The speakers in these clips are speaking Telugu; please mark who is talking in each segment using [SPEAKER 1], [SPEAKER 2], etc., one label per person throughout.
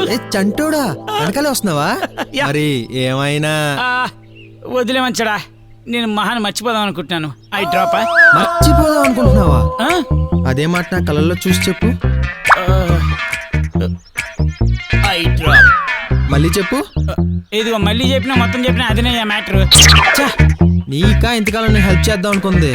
[SPEAKER 1] చంటోడా వెనకాలే వస్తున్నావా? మరి ఏమైనా
[SPEAKER 2] వదిలేమంచడా, నేను మహాన్ మర్చిపోదాం అనుకుంటున్నాను. I drop.
[SPEAKER 1] మర్చిపోదాం అనుకుంటున్నావా? అదే మాట నా కళ్ళల్లో చూసి చెప్పు.
[SPEAKER 2] Eye drop.
[SPEAKER 1] మళ్ళీ చెప్పు.
[SPEAKER 2] ఇదిగో మళ్ళీ చెప్పినా మొత్తం చెప్పినా అదినే మ్యాటర్.
[SPEAKER 1] నీకా ఇంతకాలం నేను హెల్ప్ చేద్దాం అనుకుంది.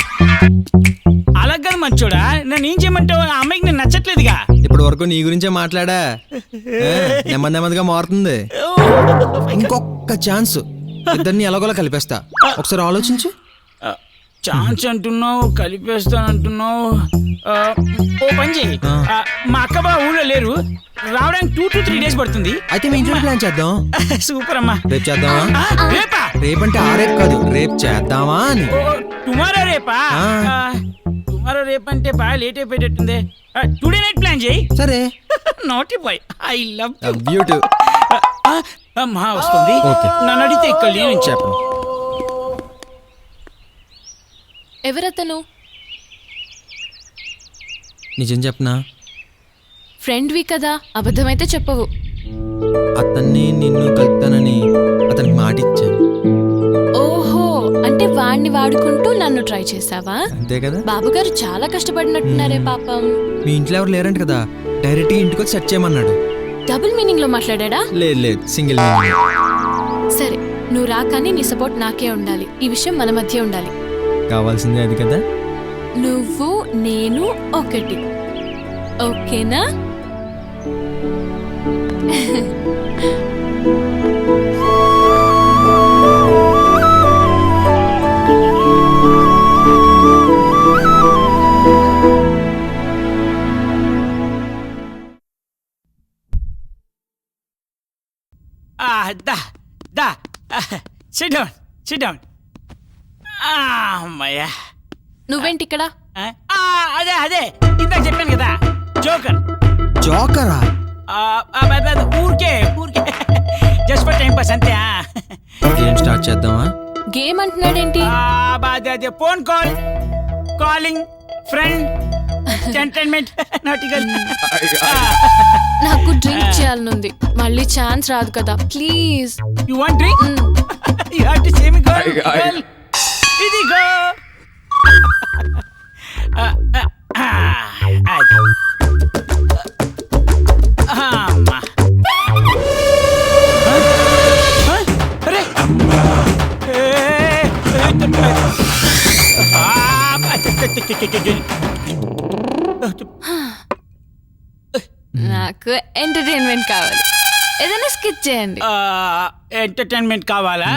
[SPEAKER 2] అలాగ మంచోడా, నన్ను ఏం చేయమంటావు? ఆ అమ్మాయికి నేను నచ్చట్లేదుగా.
[SPEAKER 1] ఇప్పటి వరకు నీ గురించే మాట్లాడా. నెమ్మది నెమ్మదిగా మారుతుంది. ఇంకొక ఛాన్స్, ఇద్దరిని ఎలాగోలా కలిపేస్తా. ఒకసారి ఆలోచించు.
[SPEAKER 2] ఛాన్స్ అంటున్నావు, కలిపేస్తానంటున్నావు. ఓ పని చెయ్యి, మా అక్క బా ఊళ్ళో లేరు, రావడానికి 2 to 3 days పడుతుంది.
[SPEAKER 1] అయితే మీ ఇంట్లో ప్లాన్ చేద్దాం.
[SPEAKER 2] సూపర్ అమ్మా.
[SPEAKER 1] రేపు చేద్దామా?
[SPEAKER 2] రేపా?
[SPEAKER 1] రేపంటే ఆ రేపు కాదు, రేపు చేద్దామా అని.
[SPEAKER 2] టుమారో రేపా? టుమారో రేపంటే బాగా లేట్ అయిపోయేటట్టుంది. టుడే నైట్ ప్లాన్ చేయి.
[SPEAKER 1] సరే.
[SPEAKER 2] Not boy, I love
[SPEAKER 1] beauty.
[SPEAKER 2] అమ్మా వస్తుంది. నన్ను అడిగితే ఇక్కడ నేను చెప్పను.
[SPEAKER 3] ఎవరతను?
[SPEAKER 1] నిజం చెప్పనా?
[SPEAKER 3] ఫ్రెండ్వి కదా, అబద్ధమైతే చెప్పవు.
[SPEAKER 1] అతన్ని నిన్ను కలుపుతానని అతనికి మాట ఇచ్చాను.
[SPEAKER 3] ఓహో, అంటే వాడిని వాడుకుంటూ నన్ను ట్రై చేసావా?
[SPEAKER 1] అంతే కదా.
[SPEAKER 3] బాబుగారు చాలా కష్టపడినట్టున్నారే పాపం.
[SPEAKER 1] మీ ఇంట్లో ఎవరు లేరంట కదా, డైరెక్ట్ గా ఇంటికి వచ్చి సెట్ చేయమన్నాడు.
[SPEAKER 3] డబుల్ మీనింగ్ లో మాట్లాడా?
[SPEAKER 1] లేదు, సింగిల్ మీనింగ్.
[SPEAKER 3] సరే, నువ్వు రాకాని నీ సపోర్ట్ నాకే ఉండాలి. ఈ విషయం మన మధ్య ఉండాలి.
[SPEAKER 1] కావాల్సిందే అది కదా.
[SPEAKER 3] నువ్వు నేను ఒకటి, ఓకేనా?
[SPEAKER 2] Sit down. అమ్మయ్యా.
[SPEAKER 3] నువ్వేంటి ఇక్కడ?
[SPEAKER 2] అదే ఇందాక చెప్పాను కదా,
[SPEAKER 1] జోకరా?
[SPEAKER 2] ఊరికే జస్ట్ ఫర్ టైం పాస్ అంతే.
[SPEAKER 1] గేమ్ స్టార్ట్ చేద్దామా?
[SPEAKER 3] గేమ్ అంటున్నాడేంటి?
[SPEAKER 2] అదే ఫోన్ కాలింగ్ ఫ్రెండ్ ఎంటర్టైన్మెంట్ నాటికల్.
[SPEAKER 3] నాకు డ్రింక్ చేయాలనుంది, మళ్ళీ ఛాన్స్ రాదు కదా, please.
[SPEAKER 2] You want drink? You have to say me girl. ఇదిగో.
[SPEAKER 3] నాకు ఎంటర్టైన్మెంట్ కావాలి, ఏదైనా స్కిప్ చేయండి.
[SPEAKER 2] ఎంటర్టైన్మెంట్ కావాలా?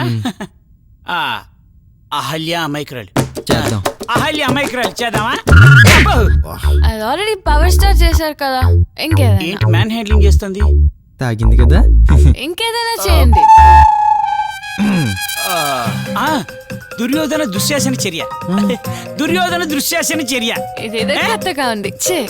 [SPEAKER 2] అహల్య అమైక్రాలు
[SPEAKER 1] చేద్దాం.
[SPEAKER 2] అహల్య అమైక్రాలు చేద్దామా?
[SPEAKER 3] అది ఆల్రెడీ పవర్ స్టార్ చేశారు కదా, ఇంకేదైనా.
[SPEAKER 2] ఏంటి మ్యాన్ హ్యాండ్లింగ్ చేస్తుంది?
[SPEAKER 1] తాగింది కదా.
[SPEAKER 3] ఇంకేదైనా చేయండి.
[SPEAKER 2] దుర్యోధన దుశ్శాసన చర్య. దుర్యోధన దుశ్శాసన చర్య.
[SPEAKER 3] ఇదేదో కొత్తగా ఉంది.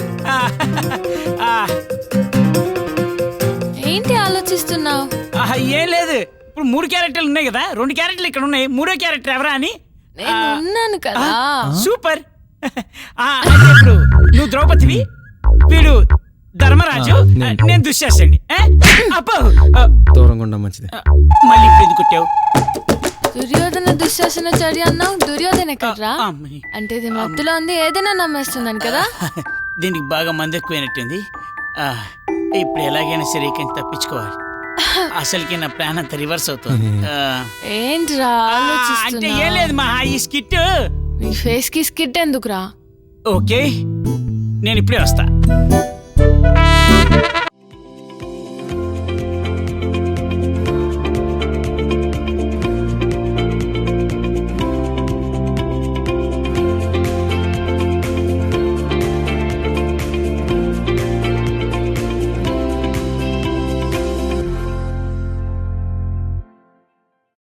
[SPEAKER 3] ఏంటి ఆలోచిస్తున్నావు?
[SPEAKER 2] ఏం లేదు, ఇప్పుడు 3 క్యారెక్టర్లు ఉన్నాయి కదా, 2 క్యారెక్టర్లు ఇక్కడ ఉన్నాయి, 3వ క్యారెక్టర్ ఎవరా అని.
[SPEAKER 3] నేను ఉన్నాను కదా.
[SPEAKER 2] సూపర్. ఇప్పుడు నువ్వు ద్రౌపదివి, వీడు ధర్మరాజు, నేను దుశ్శాసనుడి. అప్పో
[SPEAKER 1] దూరంగా ఉండడం మంచిది.
[SPEAKER 2] మళ్ళీ ఇప్పుడు ఎందుకు కొట్టావు?
[SPEAKER 3] దుర్యోధన దుశ్శాసన చర్య అన్నావు, దుర్యోధన కర్రా అంటే ఇది మత్తులో ఉంది, ఏదైనా నమ్మేస్తున్నాను కదా.
[SPEAKER 2] దీనికి బాగా మంది ఎక్కువైనట్టుంది. ఇప్పుడు ఎలాగైనా సరే ఇక్కడి నుంచి తప్పించుకోవాలి. అసలుకి నా ప్లాన్ అంతా రివర్స్ అవుతుంది.
[SPEAKER 3] ఏంట్రా
[SPEAKER 2] అంటే ఏం లేదు మా, ఈ స్కిట్
[SPEAKER 3] నీ ఫేస్ కి స్కిట్ ఎందుకురా?
[SPEAKER 2] ఓకే, నేను ఇప్పుడే వస్తా.